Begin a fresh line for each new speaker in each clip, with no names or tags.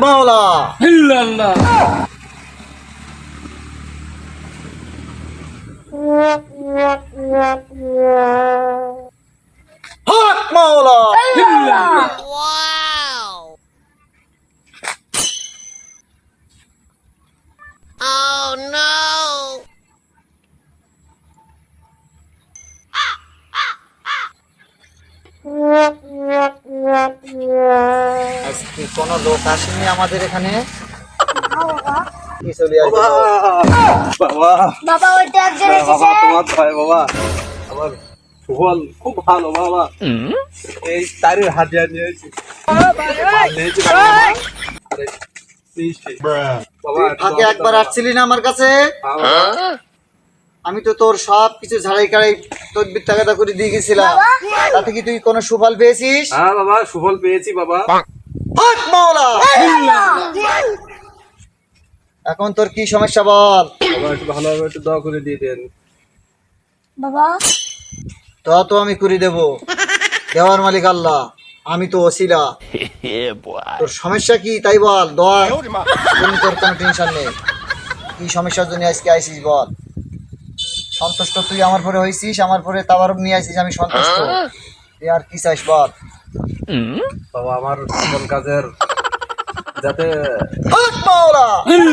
মাওলা
ইল্লাল্লাহ।
হক মাওলা
ইল্লাল্লাহ।
আজকে কোনো লোক আসেনি আমাদের এখানে কি চলে
বাবা
আসবে
বাবা
বাবা ওইটা একজন
বাবা
এসেছে।
তোমার ভাই বাবা আমার সুফল খুব ভালো বাবা এই তারের হাতিয়া নিয়েছি নিয়েছি বাবা আরে মিষ্টি বাবা
আগে একবার আসছিলি না আমার কাছে
বাবা
আমি তো তোর সব কিছু ঝাড়াই কাড়াই তদবির টাকাটা করে দিয়ে গেছিলাম তাতে কি তুই কোনো সুফল পেয়েছিস
হ্যাঁ বাবা সুফল পেয়েছি বাবা
হক মাওলা এখন তোর কি সমস্যা বল
বাবা একটু ভালোভাবে একটু দোয়া করে দিয়ে দেন
বাবা
তো আমি করে দেব দেওয়ার মালিক আল্লাহ আমি তো ওসিলা তোর সমস্যা কি তাই বল দোয়া তুমি তোর কোনো টেনশন নেই কি সমস্যার জন্য আজকে আইসিস বল সন্তুষ্ট তুই আমার পরে হয়েছিস আমার পরে তাবারক নিয়ে আইসিস আমি সন্তুষ্ট তুই আর কি চাইস বল
বাবা আমার সকল কাজের যাতে
হক মাওলা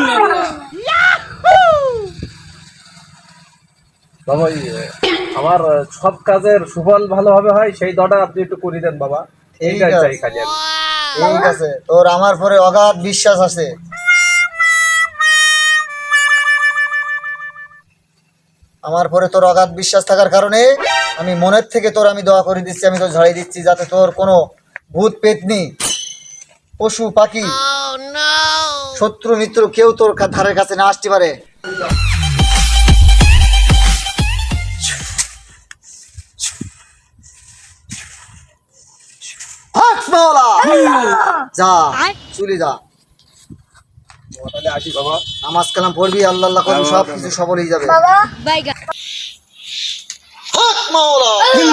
বাবা আমার সব কাজের সুফল ভালোভাবে হয় সেই দোয়াটা আপনি একটু করে দেন বাবা
ঠিক
এইটাই
আছে।
চাই খালি আমি।
ঠিক আছে তোর আমার পরে অগাধ বিশ্বাস আছে আমার পরে তোর অগাধ বিশ্বাস থাকার কারণে আমি মনের থেকে তোর আমি দোয়া করে দিচ্ছি আমি তোর ঝাড়িয়ে দিচ্ছি যাতে তোর কোনো ভূত পেতনি পশু পাখি শত্রু মিত্র কেউ তোর ধারের কাছে না আসতে পারে হক মাওলা যা চলে যা
তাহলে আসি বাবা
নামাজ কালাম পড়বি আল্লাহ আল্লাহ করবি সব কিছু সফল হয়ে যাবে
বাবা
হক মাওলা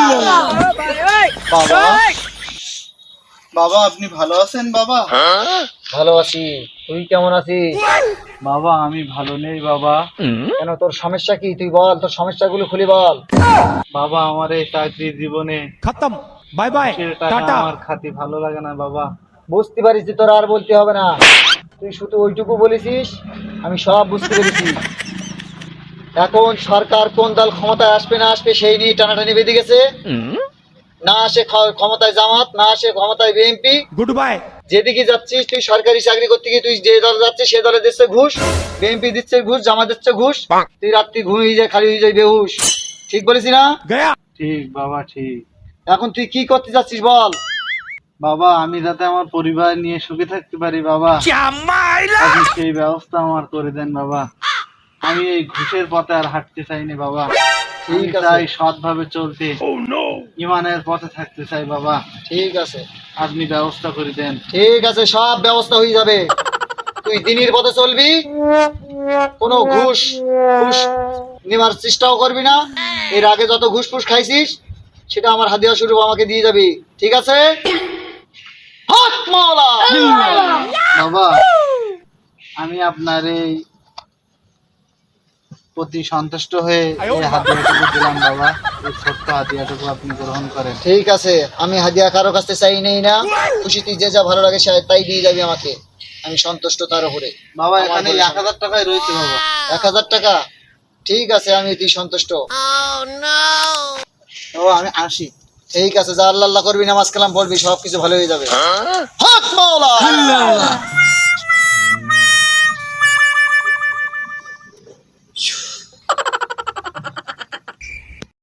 বাবা বাবা আপনি ভালো আছেন বাবা
ভালো আছি তুই কেমন আছিস
বাবা আমি ভালো নেই বাবা
কেন তোর সমস্যা কি তুই বল তোর সমস্যাগুলো খুলে বল
বাবা আমার এই চাকরি জীবনে
খতম, বাই বাই,
সে টাকা
টাটা।
আমার খাতি ভালো লাগে না বাবা
বুঝতে পারিস যে তোর আর বলতে হবে না তুই শুধু ওইটুকু বলেছিস আমি সব বুঝতে পেরেছি এখন সরকার কোন দল ক্ষমতায় আসবে না আসবে সেই নিয়ে টানাটানি বেঁধে গেছে না আসে ক্ষমতায় জামাত না আসে ক্ষমতায় বিএনপি
গুড বাই।
যেদিকে যাচ্ছিস তুই সরকারি চাকরি করতে গিয়ে তুই যে দল যাচ্ছিস সে দলে দিচ্ছে ঘুষ বিএনপি দিচ্ছে ঘুষ জামাত দিচ্ছে ঘুষ তুই রাত্রি ঘুমিয়ে যায় খালি হয়ে যায় বেহুশ ঠিক বলেছি না
গয়া।
ঠিক বাবা ঠিক
এখন তুই কি করতে যাচ্ছিস বল
বাবা আমি যাতে আমার পরিবার নিয়ে সুখে থাকতে পারি বাবা আপনি সেই ব্যবস্থা আমার করে দেন বাবা আমি এই ঘুষের পথে আর হাঁটতে চাইনি বাবা
ঠিক
আমি
আছে।
চাই সৎভাবে চলতে ইমানের পথে থাকতে চাই বাবা
ঠিক আছে
আপনি ব্যবস্থা করে দেন
ঠিক আছে সব ব্যবস্থা হয়ে যাবে তুই দিনের পথে চলবি কোনো ঘুষ ঘুষ নেওয়ার চেষ্টাও করবি না এর আগে যত ঘুষ ফুস খাইছিস সেটা আমার হাদিয়া স্বরূপ আমাকে দিয়ে যাবি ঠিক আছে হক মাওলা
বাবা আমি আপনার এই প্রতি সন্তুষ্ট হয়ে এই হাতিয়াটুকু দিলাম বাবা এই ছোট্ট হাতিয়াটুকু আপনি গ্রহণ করেন
ঠিক আছে আমি হাদিয়া কারো কাছে চাই নেই না খুশি তুই যে যা ভালো লাগে সে তাই দিয়ে যাবি আমাকে আমি সন্তুষ্ট তার উপরে
বাবা
আমার
এখানে
বলে
1000 টাকাই রয়েছে বাবা
1000 টাকা ঠিক আছে আমি তুই সন্তুষ্ট
বাবা আমি আসি
ঠিক আছে যা আল্লাহ আল্লাহ করবি নামাজ কালাম পড়বি সব কিছু ভালো হয়ে যাবে হক মাওলা